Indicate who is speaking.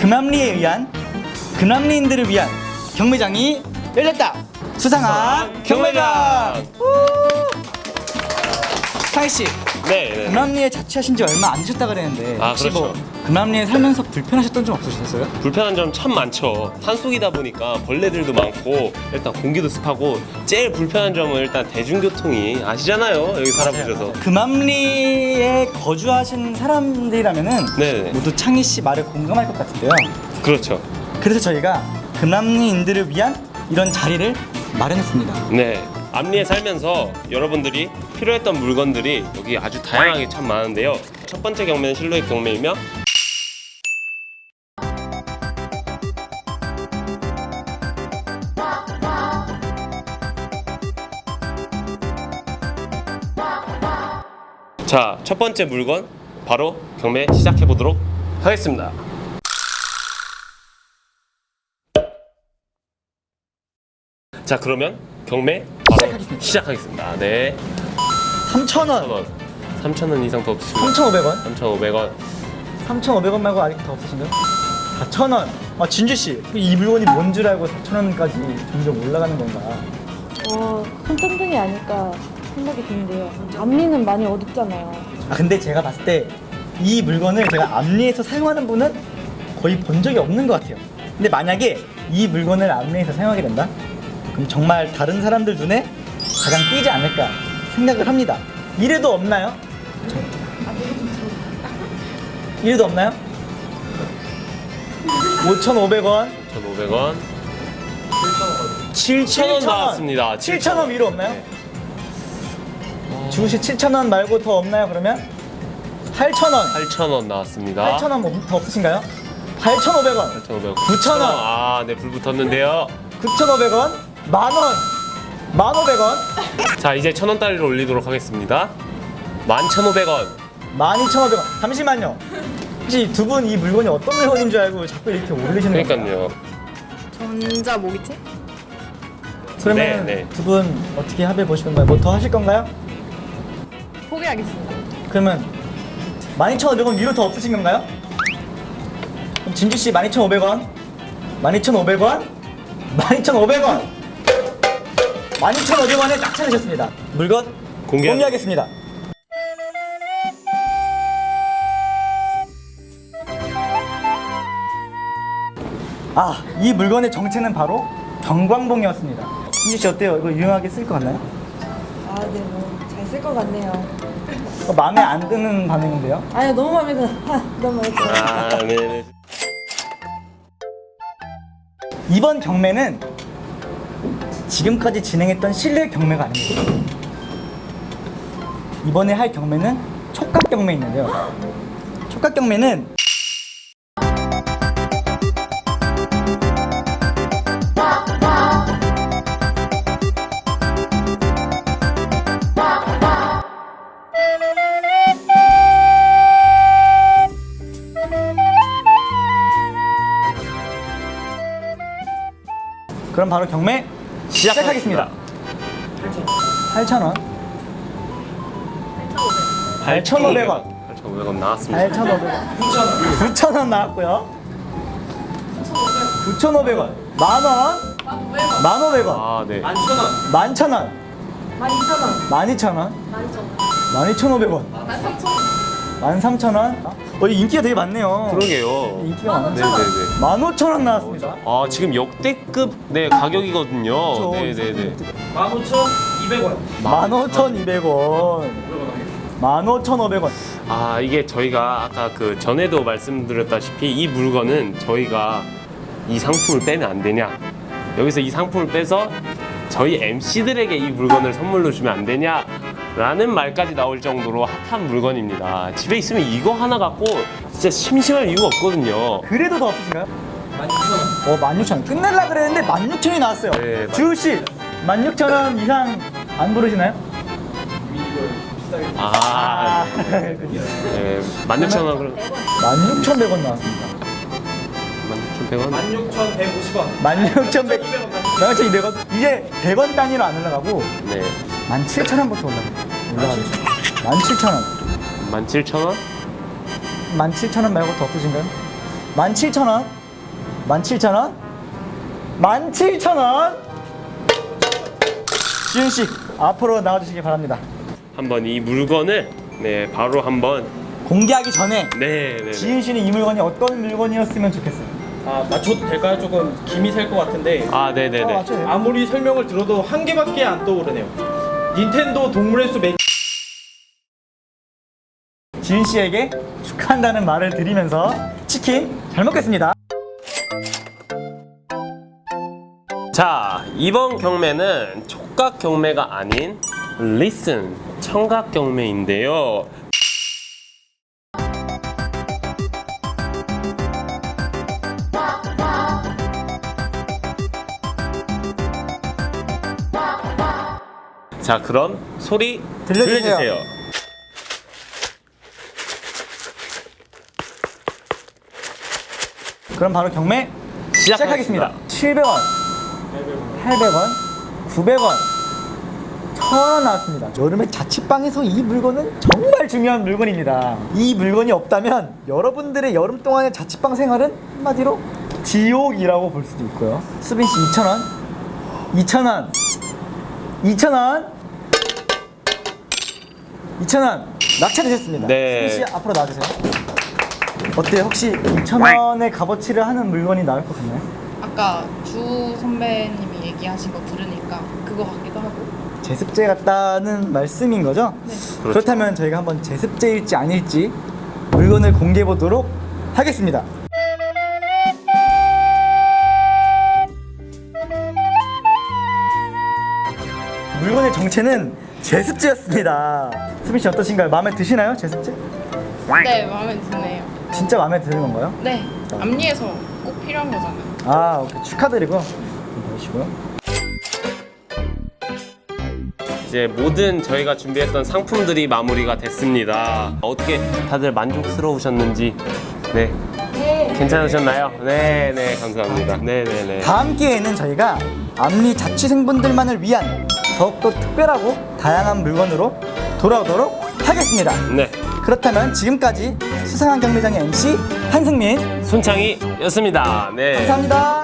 Speaker 1: 금암리에 의한 금암리인들을 위한 경매장이 열렸다. 수상한 경매장. 상희 씨,
Speaker 2: 네.
Speaker 1: 금암리에 자취하신 지 얼마 안 되셨다 그랬는데
Speaker 2: 아,
Speaker 1: 혹시
Speaker 2: 그렇죠.
Speaker 1: 뭐 금암리에 살면서 불편하셨던 점 없으셨어요?
Speaker 2: 불편한 점 참 많죠. 산속이다 보니까 벌레들도 많고 일단 공기도 습하고 제일 불편한 점은 일단 대중교통이 아시잖아요. 여기 살아보셔서.
Speaker 1: 금암리에 거주하시는 사람들이라면은
Speaker 2: 네네.
Speaker 1: 모두 창희 씨 말에 공감할 것 같은데요.
Speaker 2: 그렇죠.
Speaker 1: 그래서 저희가 금암리인들을 위한 이런 자리를 마련했습니다.
Speaker 2: 네. 암리에 살면서 여러분들이 필요했던 물건들이 여기 아주 다양하게 참 많은데요. 첫 번째 경매는 실루엣 경매이며 자, 첫 번째 물건 바로 경매 시작해 보도록 하겠습니다. 자, 그러면 경매 바로 시작하겠습니다. 네.
Speaker 1: 3,000원,
Speaker 2: 3,000원 이상 더 없으신가요?
Speaker 1: 3,500원,
Speaker 2: 3,500원.
Speaker 1: 3,500원 말고 아직 더 없으신가요? 4,000원. 아, 진주 씨, 이 물건이 뭔 줄 알고 4,000원까지 점점 올라가는 건가?
Speaker 3: 손전등이 아닐까 생각이 드는데요. 앞니는 많이 어둡잖아요.
Speaker 1: 아, 근데 제가 봤을 때 이 물건을 제가 암리에서 사용하는 분은 거의 본 적이 없는 것 같아요. 근데 만약에 이 물건을 암리에서 사용하게 된다? 그럼 정말 다른 사람들 눈에 가장 띄지 않을까 생각을 합니다. 이래도 없나요? 이래도 없나요? 5,500원,
Speaker 2: 1,500원.
Speaker 1: 7,000원
Speaker 2: 나왔습니다.
Speaker 1: 7,000원 위로 없나요?
Speaker 2: 네.
Speaker 1: 주우씨 7,000원 말고 더 없나요? 그러면 8,000원,
Speaker 2: 8,000원 나왔습니다.
Speaker 1: 8,000원 더 없으신가요? 8,500원,
Speaker 2: 8,500원.
Speaker 1: 9,000원.
Speaker 2: 아, 네, 불 붙었는데요.
Speaker 1: 9,500원, 만원, 1,500원,
Speaker 2: 자, 이제 1,000원짜리를 올리도록 하겠습니다. 11,500원.
Speaker 1: 12,500원. 잠시만요. 혹시 두 분 이 물건이 어떤 물건인 줄 알고 자꾸 이렇게 올리시는 건가요?
Speaker 2: 그러니까요.
Speaker 3: 전자 모기채?
Speaker 1: 그러면
Speaker 2: 네.
Speaker 1: 두 분 어떻게 합의 보실 건가요? 뭐 더 하실 건가요?
Speaker 3: 포기하겠습니다.
Speaker 1: 그러면 12,500원 위로 더 없으신 건가요? 그럼 진주 씨 12,500원, 12,500원, 12,500원, 12,500원에 딱 찾으셨습니다. 물건 공개하겠습니다. 아, 이 물건의 정체는 바로 경광봉이었습니다. 진주 씨 어때요? 이거 유용하게 쓸 것 같나요?
Speaker 3: 네, 잘 쓸 것 같네요.
Speaker 1: 마음에 안 드는 반응인데요?
Speaker 3: 아니, 너무 마음에 들어. 너무 마음에 들어.
Speaker 2: 아, 네.
Speaker 1: 이번 경매는 지금까지 진행했던 실내 경매가 아닙니다. 이번에 할 경매는 촉각 경매인데요. 촉각 경매는 그럼 바로 경매 시작하겠습니다. 8,000원, 8,500원,
Speaker 2: 8,500원 나왔습니다.
Speaker 1: 8,500원, 9,000원 나왔고요. 9,500원, 만원, 1,500원,
Speaker 2: 아, 네.
Speaker 1: 11,000원, 12,000원, 12,500원, 13,000원. 이 인기가 되게 많네요.
Speaker 2: 그러게요.
Speaker 1: 인기가 많아요.
Speaker 2: 네네네.
Speaker 1: 15,000원 나왔습니다.
Speaker 2: 아, 지금 역대급 네 가격이거든요. 네네네.
Speaker 1: 15,200원, 15,500원.
Speaker 2: 아, 이게 저희가 아까 그 전에도 말씀드렸다시피 이 물건은 저희가 이 상품을 빼면 안 되냐, 여기서 이 상품을 빼서 저희 MC들에게 이 물건을 선물로 주면 안 되냐 라는 말까지 나올 정도로 핫한 물건입니다. 집에 있으면 이거 하나 갖고 진짜 심심할 이유가 없거든요.
Speaker 1: 그래도 더 없으신가요? 16,000원. 16,000원. 끝낼라 그랬는데 16,000원이 나왔어요.
Speaker 2: 네,
Speaker 1: 주우씨, 16,000원 이상 안 부르시나요?
Speaker 2: 아, 네, 16,000원 그럼
Speaker 1: 16,100원 나왔습니다.
Speaker 2: 16,100원?
Speaker 1: 16,100원. 16,200원. 이제 100원 단위로 안 올라가고
Speaker 2: 네.
Speaker 1: 17,000원부터 올라가겠습니다. 17,000원.
Speaker 2: 17,000원?
Speaker 1: 17,000원 말고 더 없으신가요? 17,000원, 17,000원, 17,000원. 지윤 씨 앞으로 나와주시기 바랍니다.
Speaker 2: 한번 이 물건을 네 바로 한번
Speaker 1: 공개하기 전에
Speaker 2: 네.
Speaker 1: 지윤 씨는 이 물건이 어떤 물건이었으면 좋겠어요.
Speaker 4: 아, 맞춰도 될까요? 조금 김이 셀 것 같은데
Speaker 2: 아 네네네.
Speaker 1: 맞춰요.
Speaker 4: 아무리 설명을 들어도 한 개밖에 안 떠오르네요. 닌텐도 동물의 숲
Speaker 1: 지윤 씨에게 축하한다는 말을 드리면서 치킨 잘 먹겠습니다.
Speaker 2: 자, 이번 경매는 촉각 경매가 아닌 리슨 청각 경매인데요. 자, 그럼 소리
Speaker 1: 들려주세요. 그럼 바로 경매 시작하겠습니다. 700원, 800원, 900원, 1000원 나왔습니다. 여름에 자취방에서 이 물건은 정말 중요한 물건입니다. 이 물건이 없다면 여러분들의 여름 동안의 자취방 생활은 한마디로 지옥이라고 볼 수도 있고요. 수빈 씨 2,000원, 2,000원, 2,000원, 2,000원 낙찰되셨습니다.
Speaker 2: 네.
Speaker 1: 수빈 씨 앞으로 나와주세요. 어때요? 혹시 2,000원의 값어치를 하는 물건이 나올 것 같나요?
Speaker 5: 아까 주 선배님이 얘기하신 거 들으니까 그거 같기도 하고.
Speaker 1: 제습제 같다는 말씀인 거죠?
Speaker 5: 네.
Speaker 2: 그렇죠.
Speaker 1: 그렇다면 저희가 한번 제습제일지 아닐지 물건을 공개해 보도록 하겠습니다. 물건의 정체는 제습제였습니다. 수빈 씨 어떠신가요? 마음에 드시나요? 제습제?
Speaker 5: 네, 마음에 드네요.
Speaker 1: 진짜 마음에 드는 건가요?
Speaker 5: 네, 앞니에서 꼭 필요한 거잖아요.
Speaker 1: 아, 오케이. 축하드리고 보시고요.
Speaker 2: 이제 모든 저희가 준비했던 상품들이 마무리가 됐습니다. 어떻게 다들 만족스러우셨는지 네 괜찮으셨나요? 네네 감사합니다. 네네네.
Speaker 1: 다음 기회에는 저희가 앞니 자취생분들만을 위한 더욱더 특별하고 다양한 물건으로 돌아오도록 하겠습니다.
Speaker 2: 네
Speaker 1: 그렇다면 지금까지 수상한 경매장의 MC 한승민
Speaker 2: 손창희였습니다. 네.
Speaker 1: 감사합니다.